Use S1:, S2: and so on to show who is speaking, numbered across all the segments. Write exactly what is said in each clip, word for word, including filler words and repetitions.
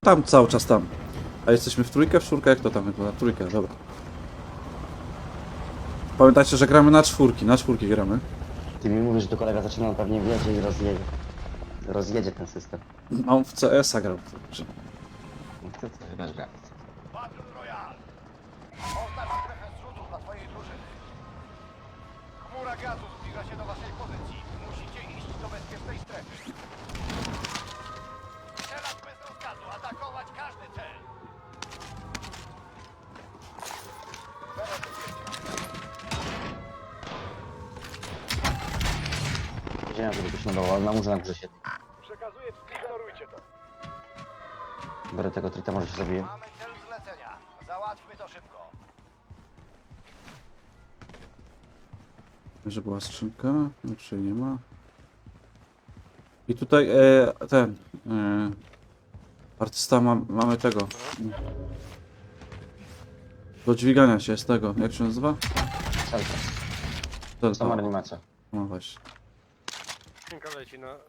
S1: Tam, cały czas tam. A jesteśmy w trójkę, w czwórkę? Jak to tam wygląda? Trójkę, dobra. Pamiętajcie, że gramy na czwórki, na czwórki gramy.
S2: Ty mi mówisz, że to kolega zaczyna, on pewnie wiedzie i rozjedzie. Rozjedzie ten system.
S1: A on w C S a grał. Także.
S2: No to co, chyba gra.
S3: Battle Royale! Oznacz strefę zrzutu dla twojej drużyny. Chmura gazu zbliża się do waszej pozycji. Musicie iść do bezpiecznej strefy. Strzelać bez rozkazu, atakować każdy cel.
S2: Wiedziałem, żeby ktoś nadawał, ale na murze na górze się.
S3: Przekazuję, ignorujcie to.
S2: Biorę tego trita, może się zabiję.
S3: Mamy cel zlecenia. Załatwmy to szybko.
S1: Że była skrzynka, już jej nie ma. I tutaj e, ten e, artysta ma, mamy tego. Do dźwigania się z tego, jak się nazywa?
S2: Celka.
S1: To,
S2: Sama
S1: to.
S2: reanimacja.
S1: No właśnie.
S4: Skrzynka leci na...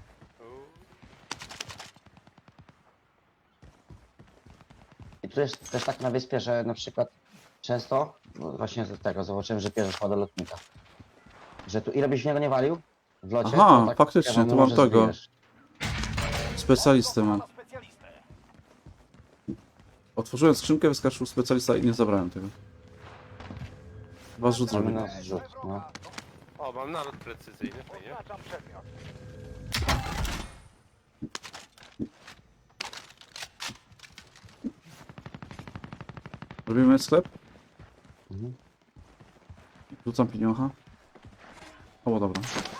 S2: I tu jest też tak na wyspie, że na przykład często, no właśnie z tego zobaczyłem, że bierzesz do lotnika. Że tu ile byś w niego nie walił w locie,
S1: Aha,
S2: to tak
S1: faktycznie,
S2: wiadomo,
S1: tu mam
S2: że
S1: tego.
S2: zbijesz.
S1: Specjalistę mam.
S3: Złapano specjalistę.
S1: Otworzyłem skrzynkę, wyskoczył specjalista i nie zabrałem tego. Chyba zrzut
S2: Mamy
S1: zrobię.
S2: na zrzut, no.
S4: O, mam nalot precyzyjny, fajnie.
S3: Oznaczam przedmiot.
S1: Robimy sklep?
S2: Mhm.
S1: Rzucam pieniądza. O, dobra.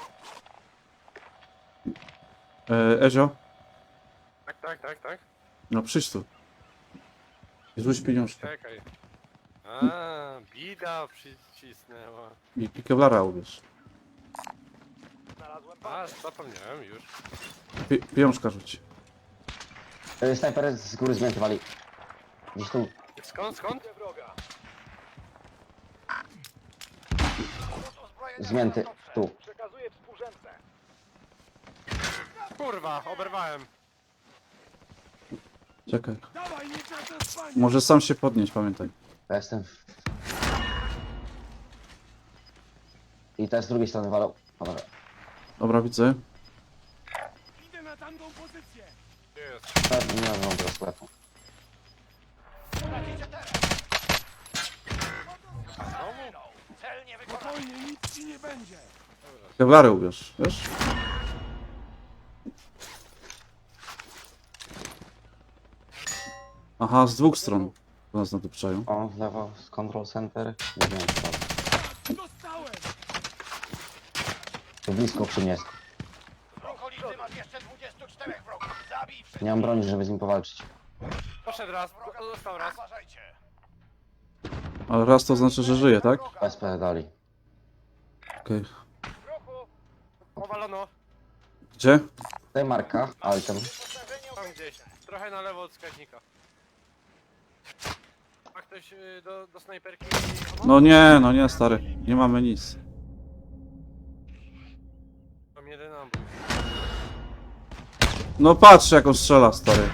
S1: E, Ezio,
S4: Tak, tak, tak, tak.
S1: no przyjdź tu. I rzuć pieniążkę.
S4: Czekaj. A, bida przycisnęła.
S1: I, i kevlara ubierz.
S3: Znalazłem
S4: A, zapomniałem już.
S1: Pi pieniążka rzuć.
S2: Y, Snajper z góry zmięty wali. Gdzieś tu.
S4: Skąd, skąd?
S3: bazę wroga.
S2: Zmięty, tu.
S3: Przekazuję współrzędne.
S4: Kurwa, oberwałem.
S1: Czekaj.
S3: Dawaj, nie czas na spanie.
S1: Może sam się podnieść, pamiętaj.
S2: Ja jestem w... I teraz z drugiej strony walą. Dobra.
S1: Dobra, widzę.
S3: Idę na tamtą pozycję.
S4: Jest.
S2: Tak, nie mam tego sklepu.
S3: Tracicie teren.
S4: Znowu?
S3: Cel nie wykonany. Spokojnie, nic ci nie będzie.
S1: Kevlary ubierz, wiesz? Aha, z dwóch stron. To nas nadupczają.
S2: O, w lewo, z control center. Nie wiem, co.
S3: Dostałem.
S2: Tu blisko przy mnie jest.
S3: W okolicy masz jeszcze dwudziestu czterech wrogów. Zabij wszystkich.
S2: Nie mam broni, żeby z nim powalczyć.
S4: Poszedł raz, został raz.
S3: Uważajcie.
S1: Ale raz to znaczy, że żyje, tak?
S2: S P dali.
S1: Okej.
S3: W ruchu.
S4: Powalono.
S1: Gdzie?
S2: Tutaj marka, item.
S3: Wyposażenie
S4: Tam gdzieś. Trochę na lewo od wskaźnika. Ma ktoś y, do, do snajperki?
S1: No nie, no nie, stary. Nie mamy nic.
S4: Mam jeden nabój.
S1: No patrz, jak on strzela, stary.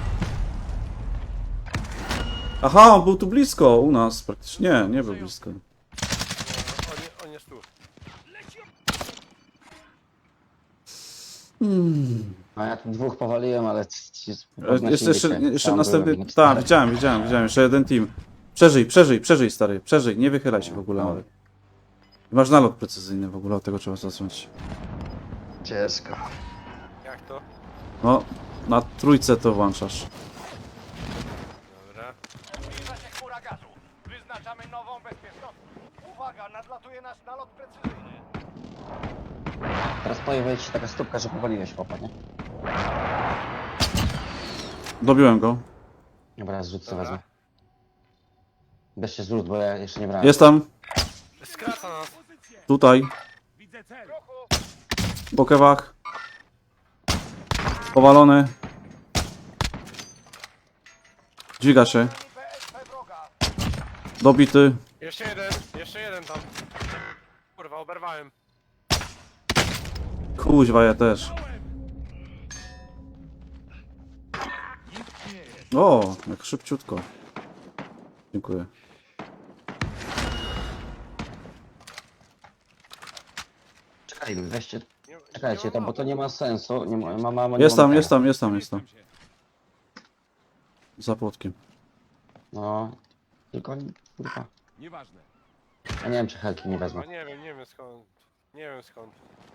S1: Aha, on był tu blisko u nas praktycznie. Nie, nie był blisko.
S4: No, on, je- on jest tu.
S2: No ja tu dwóch powaliłem, ale ci- ci
S1: E,
S2: podnosili
S1: Jest jeszcze,
S2: się.
S1: jeszcze
S2: Tam
S1: następny.
S2: byłem,
S1: Tak, widziałem, widziałem, widziałem. Jeszcze jeden team. Przeżyj, przeżyj, przeżyj, stary. Przeżyj, nie wychylaj się w ogóle nawet. Masz nalot precyzyjny w ogóle, od tego trzeba zacząć.
S2: Ciężko.
S4: Jak to?
S1: No, na trójce to włączasz.
S4: Dobra.
S3: Zbliża się chmura gazu. Wyznaczamy nową bezpieczną. Uwaga, nadlatuje nasz nalot precyzyjny.
S2: Teraz pojawia się taka stópka, że powaliłeś chłopa, nie?
S1: Dobiłem go.
S2: Dobra, zrzut sobie
S4: Dobra.
S2: wezmę. Bierzcie zrzut, bo ja jeszcze nie brałem.
S1: Jest tam,
S4: Skraca nas.
S1: tutaj,
S3: Widzę cel. W ruchu.
S1: po kewach. Powalony. Dźwiga się.
S3: B S P wroga.
S1: Dobity.
S4: Jeszcze jeden, jeszcze jeden tam. Kurwa, oberwałem.
S1: Kuźwa, ja też.
S3: Nikt nie
S1: O, jak szybciutko. Dziękuję.
S2: Czekaj, weźcie,
S4: Nie,
S2: czekajcie
S4: nie
S2: to,
S4: ma
S2: bo to nie
S4: mapy.
S2: ma sensu. Nie ma, ma, mama, nie
S1: Jest
S2: ma
S1: tam,
S2: tego.
S1: jest tam, jest tam, jest tam. Za płotkiem.
S2: No, tylko kurwa.
S3: Nieważne.
S2: Ja nie wiem, czy helki nie wezmę.
S4: A nie wiem, nie wiem skąd. Nie wiem skąd.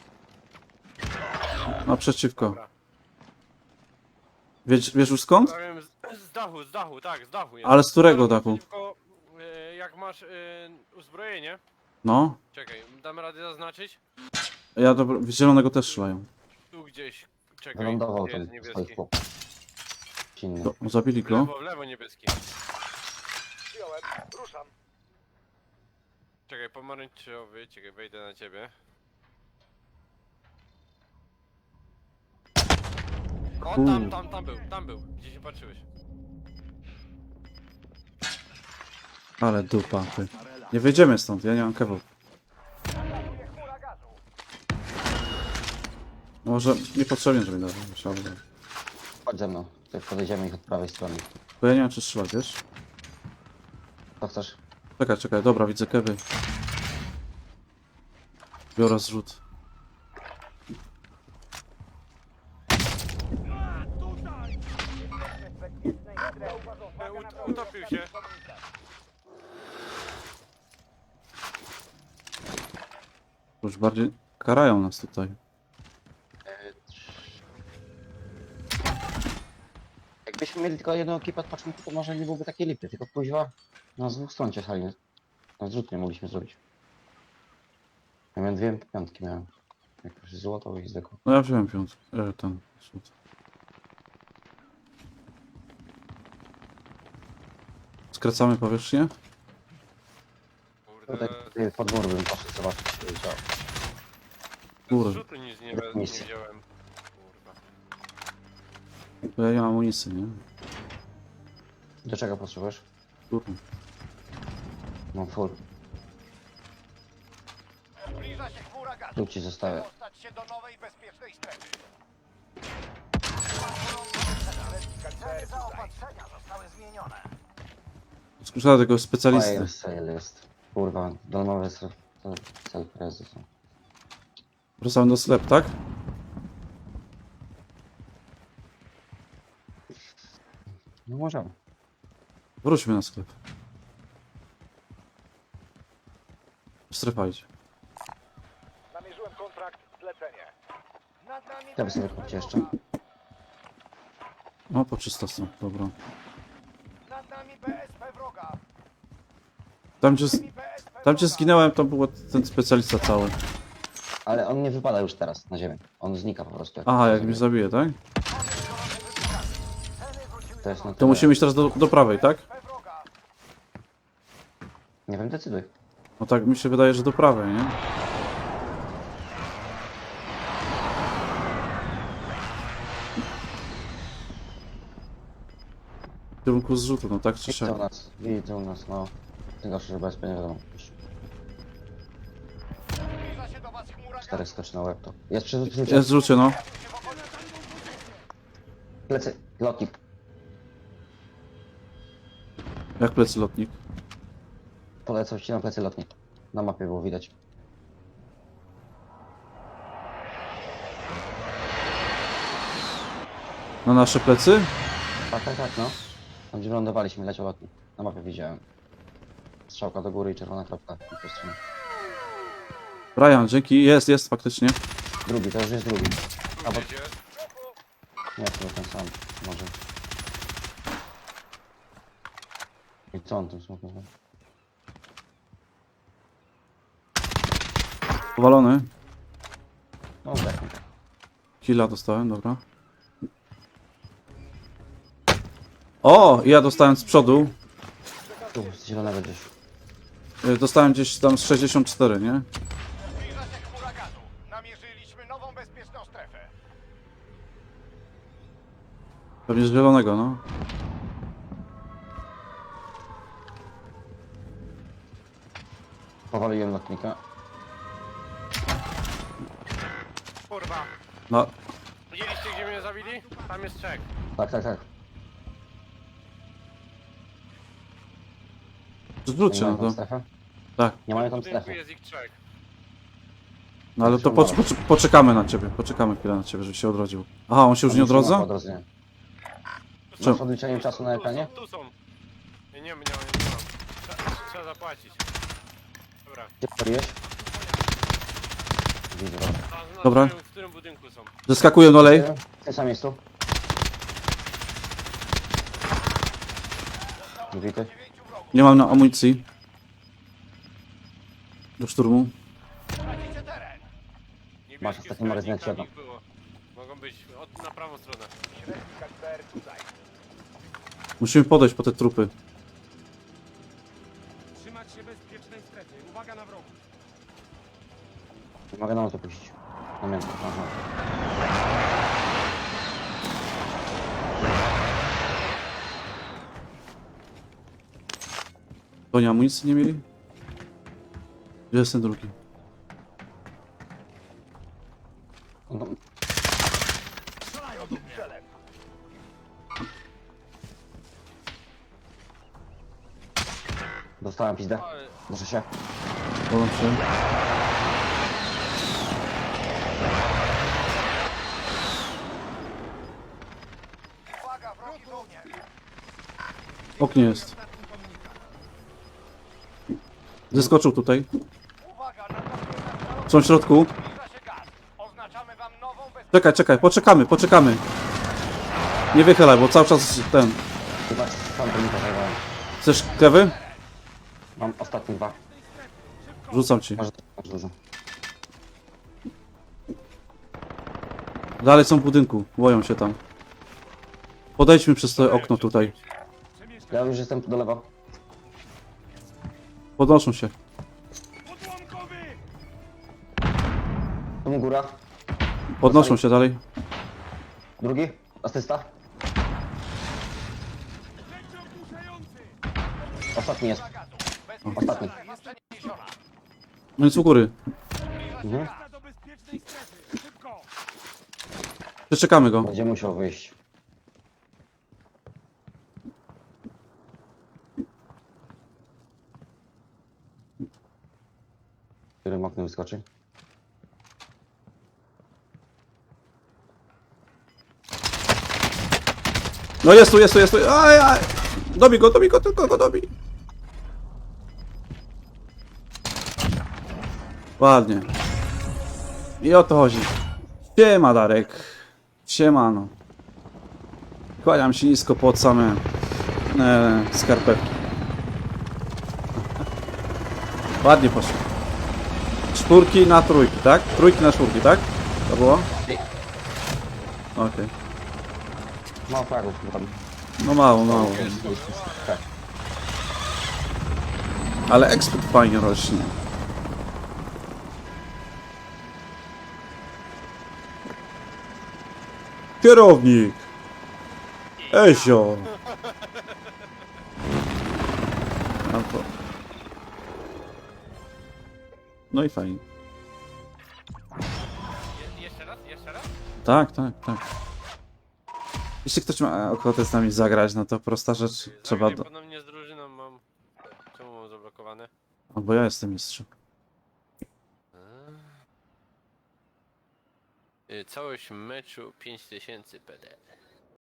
S1: Naprzeciwko.
S4: Dobra.
S1: Wiesz, wiesz już skąd?
S4: Powiem z, z dachu, z dachu, tak, z dachu jest.
S1: Ale z którego
S4: Dobra,
S1: dachu?
S4: Tylko, e, jak masz e, uzbrojenie,
S1: No.
S4: czekaj, damy radę zaznaczyć?
S1: Ja dobro... w zielonego też strzelają.
S4: Tu gdzieś, czekaj,
S2: Wylądował
S4: gdzie
S2: tam
S4: jest
S2: swoich
S4: niebieski?
S2: chłopów. Inny.
S1: To, zabili
S4: W
S1: go.
S4: lewo, w lewo niebieski.
S3: Przyjąłem. Ruszam.
S4: Czekaj, pomarańczowy, czekaj, wejdę na ciebie. O, tam,
S1: Kur-
S4: tam, tam był, tam był, gdzie się patrzyłeś.
S1: Ale dupa, ty. Nie wyjdziemy stąd, ja nie mam kewu.
S3: Chmura gazu.
S1: Może niepotrzebnie, żeby dać. Trzeba by.
S2: Chodź ze mną. Tutaj podejdziemy ich od prawej strony.
S1: Bo ja nie wiem, czy strzelać, wiesz?
S2: Co chcesz?
S1: Czekaj, czekaj, dobra, widzę kewy. Biorę zrzut.
S4: E, ut utopił się.
S1: Już bardziej karają nas tutaj.
S2: Jakbyśmy mieli tylko jedną ekipę od początku, to może nie byłoby takiej lipy, tylko kuźwa na z dwóch stron ciechali. Na zrzut nie mogliśmy zrobić. Ja miałem dwie piątki miałem. Jak już złoto i zwykło.
S1: No ja wziąłem piąt. E, ten zrzut. Skracamy powierzchnię?
S2: Tutaj
S4: Kurde,
S2: tutaj pod mur bym poszedł zobaczyć, co się działo.
S4: z
S1: Kurde,
S4: rzutu nic nie, we- nie
S2: Nic.
S4: wziąłem. Kurwa.
S1: bo ja nie mam amunicji, nie?
S2: Do czego potrzebujesz?
S1: Kurde.
S2: Mam full.
S3: Zbliża się chmura gazu.
S2: Tu ci zostawię.
S3: Dostać się do nowej, bezpiecznej strefy. Ceny zaopatrzenia zostały zmienione.
S1: Skuszałem tego specjalisty.
S2: Fire sale jest. Kurwa, domowe cel, cel prezy są.
S1: Wracamy do sklepu, tak?
S2: No możemy.
S1: Wróćmy na sklep. Strefa idzie.
S3: Namierzyłem kontrakt, zlecenie. Nad nami
S2: Ja by sobie
S3: B S P
S2: kupić jeszcze.
S3: wroga.
S1: O, po trzysta są, dobra.
S3: Nad nami B S P wroga.
S1: Tam gdzie,
S3: Nad nami B S P
S1: tam gdzie
S3: wroga.
S1: zginąłem, to był ten specjalista cały.
S2: Ale on nie wypada już teraz na ziemię. On znika po prostu.
S1: Aha, jak
S2: się
S1: mnie
S2: zabije.
S1: zabije, tak?
S3: Ceny wróciły
S2: To jest na
S1: To
S2: tyle.
S1: musimy iść teraz do, do prawej, tak?
S3: B S P wroga.
S2: Nie wiem, decyduj.
S1: No tak mi się wydaje, że do prawej, nie? W kierunku zrzutu, no tak czy
S2: Widzą
S1: siak.
S2: nas, widzą nas, no. Tylko, że bez nie wiadomo. Już
S3: Zbliża się do was chmura
S2: czterech
S3: gazu.
S2: skoczy na łeb to. Jest przy przy-
S1: Jest w zrzucie, no.
S2: plecy, lotnik.
S1: Jak plecy lotnik.
S2: Polecał ci na plecy lotnik. Na mapie było widać.
S1: Na nasze plecy?
S2: Tak, tak, tak, no. Tam gdzie lądowaliśmy, leciał lotnik. Na mapie widziałem. Strzałka do góry i czerwona kropka. I po stronie.
S1: Brian, dzięki. Jest, jest faktycznie.
S2: Drugi, to już jest drugi.
S4: Tu
S2: bo-
S4: gdzieś jest.
S2: Nie, to ten sam. Może. I co on tym smokiem?
S1: Powalony.
S2: No, tak.
S1: Killa dostałem, dobra. O! Ja dostałem z przodu.
S2: Tu, z zielonego gdzieś.
S1: Y, Dostałem gdzieś tam z sześćdziesiąt cztery, nie?
S3: Zbliża się chmura gazu. Namierzyliśmy nową, bezpieczną strefę.
S1: Pewnie z zielonego, no.
S2: Powaliłem lotnika.
S4: Kurwa.
S1: No,
S4: Widzieliście gdzie mnie zabili? Tam jest trzech.
S2: Tak, tak, tak.
S1: Zwróćcie
S2: Nie
S1: na
S2: mają tam
S1: to.
S2: strefę?
S1: Tak.
S2: Nie mają
S4: W
S2: tam
S4: budynku
S2: strefy.
S4: jest ich trzech.
S1: No ale to po, po, poczekamy na ciebie, poczekamy chwilę na ciebie, żeby się odrodził. Aha, on się już nie odrodza?
S2: Odrodzenie.
S4: Tu
S2: Masz
S4: są,
S2: odliczenie
S4: tu
S2: czasu
S4: są,
S2: na
S4: tu
S2: ekranie?
S4: są, Tu są. Nie, nie, nie, nie, nie mam. Trzeba, trzeba zapłacić. Dobra.
S2: Gdzie paliłeś? Widzę, dobra.
S4: A, na
S1: Dobra.
S4: którym- W którym budynku są?
S1: Zeskakuję do lej.
S2: W tym samym miejscu. Wity.
S1: Nie mam na amunicji. Do szturmu.
S3: Tracicie teren.
S4: Niebieskie
S2: Masz ostatni
S4: skarbnik,
S2: magazyn
S4: tam
S2: jedno.
S4: ich było. Mogą być od, na prawą stronę.
S3: Średni kaliber tutaj.
S1: Musimy podejść po te trupy.
S5: Trzymać się bezpiecznej strefy. Uwaga na wrogów.
S2: Nie mogę na to puścić. Na mięso. Aha.
S1: To nie amunicji nie mieli? Gdzie jest ten drugi?
S2: No, dostałem pizdę.
S4: Ale
S2: Muszę się.
S1: Podam się.
S3: Uwaga, wrogi żołnierz.
S1: W oknie jest. Zeskoczył tutaj.
S3: Uwaga, na to
S1: Są w środku.
S3: zbliża się gaz. Oznaczamy wam nową bezpieczną...
S1: Czekaj, czekaj, poczekamy, poczekamy. Nie wychylaj, bo cały czas ten...
S2: Chyba sam to zajmowałem.
S1: Chcesz kewy?
S2: Mam ostatnie dwa.
S1: Rzucam ci.
S2: Może masz dużo.
S1: Dalej są w budynku, boją się tam. Podejdźmy przez to okno tutaj.
S2: Ja już jestem do lewa.
S1: Podnoszą się.
S5: Odłamkowy!
S2: Tu góra.
S1: Podnoszą się dalej.
S2: Drugi. Asysta.
S5: Leci ogłuszający!
S2: Ostatni jest. Ostatni.
S1: No nic u góry.
S2: Mhm.
S5: Wraca do bezpiecznej strefy. Szybko!
S1: Przeczekamy go.
S2: Będzie musiał wyjść. Którym oknem wyskoczy?
S1: No jest tu, jest tu, jest tu. Aj, aj. Dobij go, dobij go, tylko go dobij. Ładnie. I o to chodzi. Siema, Darek. Siemano. Kłaniam się nisko pod same e, skarpetki. Ładnie poszło. Czwórki na trójki, tak? Trójki na czwórki, tak? To było? Okej.
S2: Mało fragów tam.
S1: No mało, mało.
S2: Tak.
S1: Ale ekspert fajnie rośnie. Kierownik! Ezio! No, to... no i fajnie.
S4: Je, jeszcze raz, jeszcze raz?
S1: Tak, tak, tak. Jeśli ktoś ma ochotę z nami zagrać, no to prosta rzecz. Trzeba
S4: Zagraj
S1: do...
S4: ponownie z drużyną mam... Czemu mam zablokowane?
S1: Albo ja jestem mistrzem.
S4: Y, Całość meczu pięć tysięcy P D.